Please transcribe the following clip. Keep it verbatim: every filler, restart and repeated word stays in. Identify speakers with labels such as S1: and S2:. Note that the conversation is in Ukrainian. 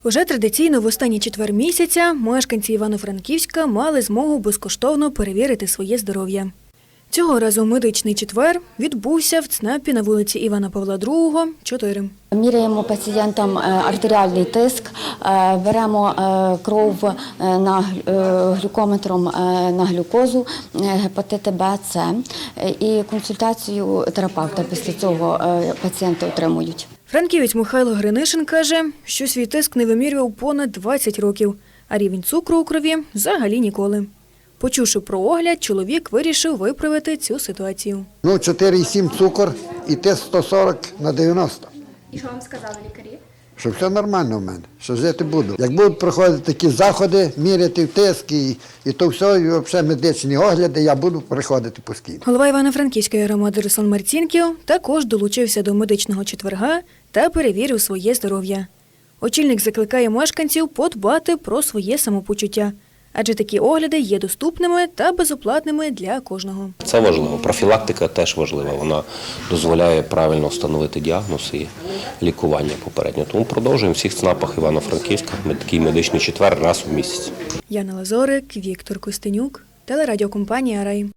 S1: Уже традиційно в останній четвер місяця мешканці Івано-Франківська мали змогу безкоштовно перевірити своє здоров'я. Цього разу медичний четвер відбувся в ЦНАПі на вулиці Івана Павла другого, чотири.
S2: Міряємо пацієнтам артеріальний тиск, беремо кров на глюкометром на глюкозу, гепатити Б, С і консультацію терапевта після цього пацієнти отримують.
S1: Франківець Михайло Гринишин каже, що свій тиск не вимірював понад двадцять років, а рівень цукру у крові взагалі ніколи. Почувши про огляд, чоловік вирішив виправити цю ситуацію.
S3: Ну, чотири і сім цукор і тиск сто сорок на дев'яносто.
S4: І що вам сказали лікарі?
S3: Що все нормально в мене, що жити буду. Як будуть проходити такі заходи, міряти тиск і, і то все, і взагалі медичні огляди, я буду приходити постійно.
S1: Голова Івано-Франківської громади Руслан Марцінків також долучився до медичного четверга та перевірив своє здоров'я. Очільник закликає мешканців подбати про своє самопочуття, адже такі огляди є доступними та безоплатними для кожного.
S5: Це важливо. Профілактика теж важлива. Вона дозволяє правильно встановити діагноз і лікування попередньо. Тому продовжуємо в всіх ЦНАПах Івано-Франківська такий медичний четвер раз у місяць.
S1: Яна Лазорик, Віктор Костенюк, телерадіокомпанія «Рай».